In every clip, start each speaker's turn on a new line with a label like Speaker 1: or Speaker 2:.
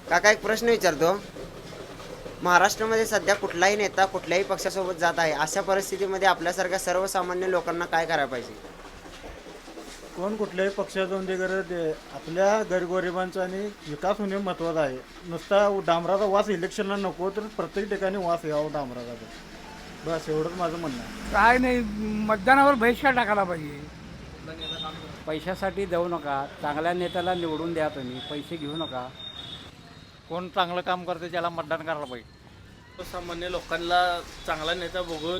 Speaker 1: काका एक प्रश्न विचारतो. महाराष्ट्रामध्ये सध्या कुठलाही नेता कुठल्याही पक्षासोबत जात आहे, अशा परिस्थितीमध्ये आपल्यासारख्या सर्वसामान्य लोकांना काय करायला पाहिजे?
Speaker 2: कोण कुठल्याही पक्षाचं गरज आपल्या गरीबगरिबांचा आणि विकास होणे महत्त्वाचं आहे. नुसता डांबराचा वास इलेक्शनला नको, तर प्रत्येक ठिकाणी वास यावा डांबराचा. बस एवढंच माझं म्हणणं आहे.
Speaker 3: काय नाही, मतदानावर बहिष्कार टाकायला पाहिजे.
Speaker 4: पैशासाठी जाऊ नका, चांगल्या नेत्याला निवडून द्या, तुम्ही पैसे घेऊ नका.
Speaker 5: कोण चांगलं काम करते त्याला मतदान करायला पाहिजे.
Speaker 6: सामान्य लोकांना चांगला नेता बघून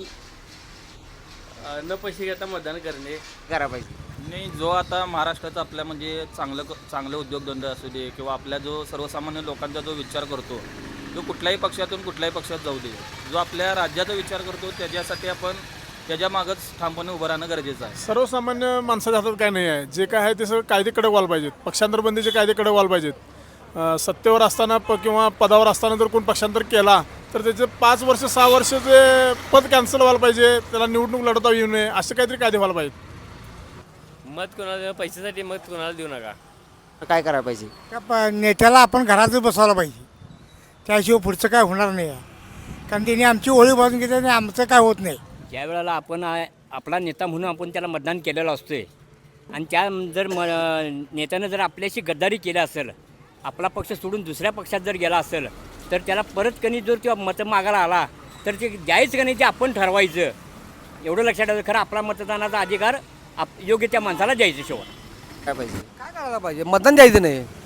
Speaker 6: न पैसे घेता मतदान करणे
Speaker 1: करायला पाहिजे.
Speaker 7: नाही, जो आता महाराष्ट्राचा आपल्या म्हणजे चांगले उद्योगधंदे असू दे किंवा आपल्या जो सर्वसामान्य लोकांचा जो विचार करतो, जो कुठल्याही पक्षातून कुठल्याही पक्षात जाऊ दे, जो आपल्या राज्याचा विचार करतो त्याच्यासाठी आपण त्याच्या मागच ठामपणे उभं राहणं गरजेचं आहे.
Speaker 8: सर्वसामान्य माणसाच्या हातात काय नाही आहे. जे काय आहे ते सगळं कायदे कडक व्हायला पाहिजेत. पक्षांतरबंदीचे कायदे कडक व्हायला पाहिजेत. सत्तेवर असताना किंवा पदावर असताना जर कोण पक्षांतर केला तर त्याचे 5 वर्ष 6 वर्ष जे पद कॅन्सल व्हायला पाहिजे, त्याला निवडणूक लढवता येऊ नये, असे काहीतरी कायदे व्हायला पाहिजेत.
Speaker 6: मत कोणाला पैशासाठी मत कोणाला देऊ नका.
Speaker 1: काय करायला पाहिजे?
Speaker 3: त्या नेत्याला आपण घरातच बसवायला पाहिजे, त्याशिवाय पुढचं काय होणार नाही आहे. कारण त्यांनी आमची ओळी बाजून घेतली आणि आमचं काय होत नाही.
Speaker 4: ज्या वेळेला आपण आपला नेता म्हणून आपण त्याला मतदान केलेलं असतोय आणि त्या जर नेत्यानं जर आपल्याशी गद्दारी केली असेल, आपला पक्ष सोडून दुसऱ्या पक्षात जर गेला असेल, तर त्याला परत कधी जर किंवा मतं मागायला आला तर ते द्यायचं का नाही ते आपण ठरवायचं. एवढं लक्षात ठेवायचं. खरं आपला मतदानाचा अधिकार योग्य त्या माणसाला द्यायचं. शेवट
Speaker 1: काय पाहिजे?
Speaker 9: काय करायला पाहिजे? मतदान द्यायचं नाही.